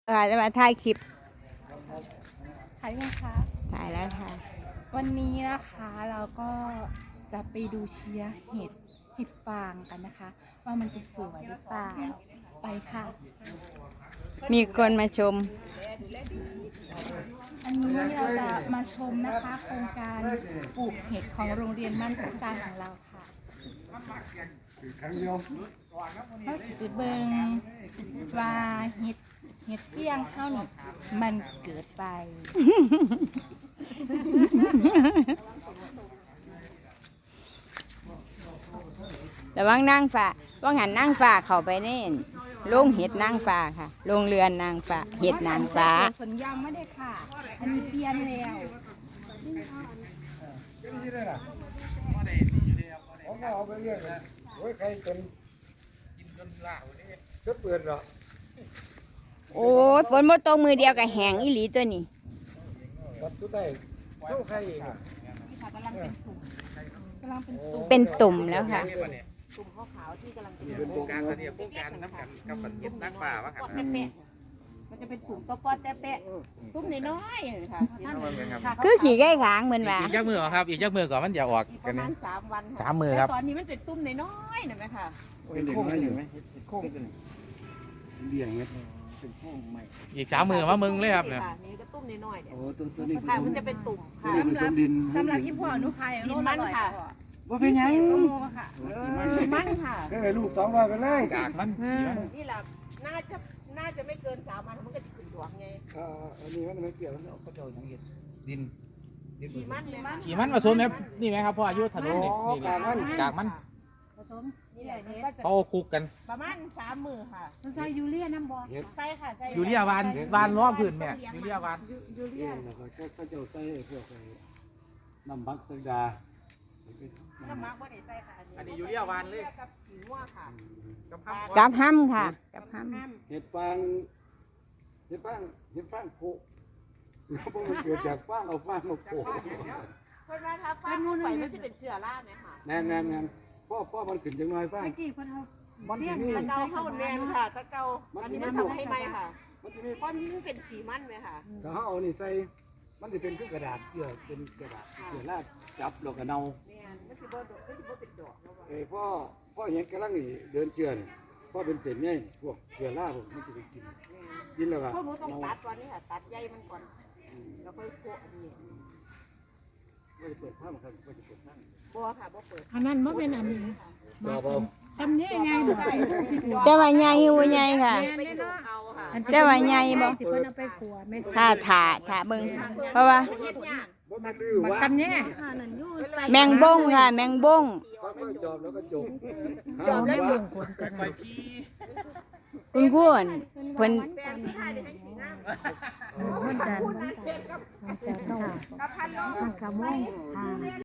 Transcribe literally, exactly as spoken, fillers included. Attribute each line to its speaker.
Speaker 1: เออจะมาถ่ายคลิป
Speaker 2: ถ่ายไหมคะ
Speaker 1: ถ่ายแล้วค่ะ
Speaker 2: วันนี้นะคะเราก็จะไปดูเชียร์เห็ดเห็ดฟางกันนะคะ ว่ามันจะสวยหรือเปล่าไปค่ะ
Speaker 1: มีคนมาชม
Speaker 2: อันนี้เราจะมาชมนะคะโครงการปลูกเห็ดของโรงเรียนมั่นพัฒการของเราค่ะเขาสิไปเบิงว่าเห็ดเห็ดเปี้ยงเข้านี่มันเกิดไป
Speaker 1: แต่ว่างนั่งฟ้าว่างหันนั่งฟ้าเข้าไปนี่โรงเห็ดนั่งฟ้าค่ะโรงเรือนนางฟ้าเห็ดนางฟ้า
Speaker 2: สวนยางไม่ได้ค่ะ อันนี้เปลี่ยนแล้ว
Speaker 3: ผมก็เอาไปเรียกนะโอ้ยใครจนกินจนล่าวันนี้ก็เปิดหรอ
Speaker 1: โอ้ยฝนบ่ตกมือเดียวกับแหงอีหลีตัวนี้
Speaker 3: วัดทุกไทยเข้าใครเอง
Speaker 2: นี่ค่ะกำลังเป็นตุ่มกำลังเป็นตุ่ม
Speaker 1: เป็นตุ่มแล้วค่ะ
Speaker 2: ตุ่มขาวๆที่กำลังเป็น
Speaker 3: เป็น
Speaker 4: โครงการเขาเนี่ยโครงการน้ำกันกับปันเย็ดนักป่าว่ากัน
Speaker 2: แปะมันจะเป็นตุ่มก็ปอดแต่แปะตุ่มน้อยๆค่ะ
Speaker 1: คือขี่ไก่ขางเหมือนว่า
Speaker 4: อีกยักมือครับ อีกยักมือก่อนมันจะออก
Speaker 2: ป
Speaker 4: กัน
Speaker 2: ระมา
Speaker 4: นี่
Speaker 2: ณสามวันค่ะ
Speaker 4: สามมือครับ
Speaker 2: แต่ตอนนี้มันเป็นตุ่มน้อยๆนะแม่ค่ะ
Speaker 3: เป็นโค้งอยู่ไหมโค้งกันเบี่ยงไหมเป็นโค้งใหม่
Speaker 4: อีกสามมือมามึงเลยครับเนี่ย
Speaker 2: นี่ก็ตุ่มน้อยๆเนี่ย
Speaker 3: โอ้ตัวตัวนี้
Speaker 2: ค่ะมันจะเป็นตุ่มค่ะ
Speaker 3: ตัวนี้ผสมดิน
Speaker 5: สำหรับพี่พ่อหนุพาย
Speaker 2: ดินมันค่ะ
Speaker 3: ว่าเป็นยัง
Speaker 5: ก็โมค่ะ
Speaker 2: มันค่ะ
Speaker 3: ก็ให้ลูกสองร้อยไปเลย
Speaker 4: กากมันสีมัน
Speaker 2: นี่แหละน่าจะน่าจะไม่เกินสามวันมันก็จะขึ้นดวงไง
Speaker 3: อ่าอันนี้มันไม่เกี่ยวแล้วเขาจะเอาอย่างเห็ดดินดิน
Speaker 2: ขี่มันเลยมัน
Speaker 4: ขี่มันมาชมไหมนี่ไหมครับพ่ออายุถนนนี่นี่
Speaker 3: กากมัน
Speaker 4: กากมัน
Speaker 2: ผสมนี่แหละเนี่ย
Speaker 4: เขาคุกกัน
Speaker 2: ประมาณสามมือค่ะ
Speaker 5: มันใส่ยูเรียน้ำบอล
Speaker 3: เห็ด
Speaker 2: ใช่ค่ะใช่
Speaker 4: ยูเรียวานวานล้อพื้นแม่ยูเรียวาน
Speaker 5: ยูเรี
Speaker 3: เอ็
Speaker 5: ย
Speaker 3: นแล้วก็เขาจะใส่พวกน้ำบักโซดา
Speaker 2: น้ำมักว่าได้ใส่ค่ะ
Speaker 4: อันนี้ยูเรียวานเลย
Speaker 2: กับผิวว่าค่ะ
Speaker 4: กับข้าว
Speaker 1: กับห้ำค่ะ กับห้
Speaker 3: เห็ดฟางเห็ดฟางเห็ดฟางโผล่แล้วพวกมันเกิดจากฟางเอาฟางมาโผล่
Speaker 2: เพราะว่าถ้าฟ้าเข้าไปมันจะเป็นเชื้อราไหมค่ะ
Speaker 3: แน่นแน่นแน่นพ่อพ่อมันขึ้นจังน้อยฟาง
Speaker 5: เมื่อกี้เพิ่นเอา
Speaker 3: มันจะมี
Speaker 2: ตะเกาเข้าแมนค่ะตะเกาอันนี้มันทำให้ไหมค่ะ
Speaker 3: มันจะมี
Speaker 2: ก้อนนี้มันเป็นสีมันไหมค่ะ
Speaker 3: ถ้าเขาเอานี่ใส่มันจะเป็นคือกระดาษเกี่ยวเป็นกระดาษเกี่ยวลากจับแล้วก็เนา
Speaker 2: เนี่ยมันคือบ่ดอกมันคือบ่เป็นดอกแล้วว่า
Speaker 3: เอ้พ่อพ่อเห็นกำลังนี่เดินเชื่อนพ่อเป็นเศษไงพวกเกี่ยวลากพวกมันจะไปกินกินแล้วก็
Speaker 2: พวกหนูต้อง
Speaker 3: เนา
Speaker 2: ตัดวันนี้ค่ะตัดใยมันก่อนแล้วค่อยโปะอันนี้
Speaker 3: ไม่ได้เปิดผ้ามันครับไม่ได้เปิดผ้า
Speaker 2: บ่ค่ะบ่เปิด
Speaker 5: อันนั้นบ่เป็นอันนี้
Speaker 3: ต่อเบา
Speaker 5: ทำยังไงบ่ได้
Speaker 1: ำแต่ว่าใหญ่หูใหญ่ค่ะ
Speaker 2: ไปโดนเอาค่ะ
Speaker 1: แต่ว่าใหญ่บ่
Speaker 5: สิเพิ่นเอาไปขัวแม่
Speaker 1: ถ้าถาถาเบิ่งเพราะว่า
Speaker 2: เฮ็ดยาก
Speaker 3: บ่มันดื้อวะ
Speaker 5: ทำยังไง
Speaker 1: แมงบ้งค่ะ แมงบ้ง
Speaker 3: ค่อยๆจอบแล้วก็จบ
Speaker 2: จอบแล้วจบ
Speaker 4: คอยขี้
Speaker 1: คุณพูนเพิ่น
Speaker 2: แปลงที่ให้ได้ให้สีงาม
Speaker 5: มันจะ
Speaker 2: มันเจ็บกับ
Speaker 5: มันจะค่ะ
Speaker 2: กับพันโล
Speaker 5: มันกะม่วงค่ะ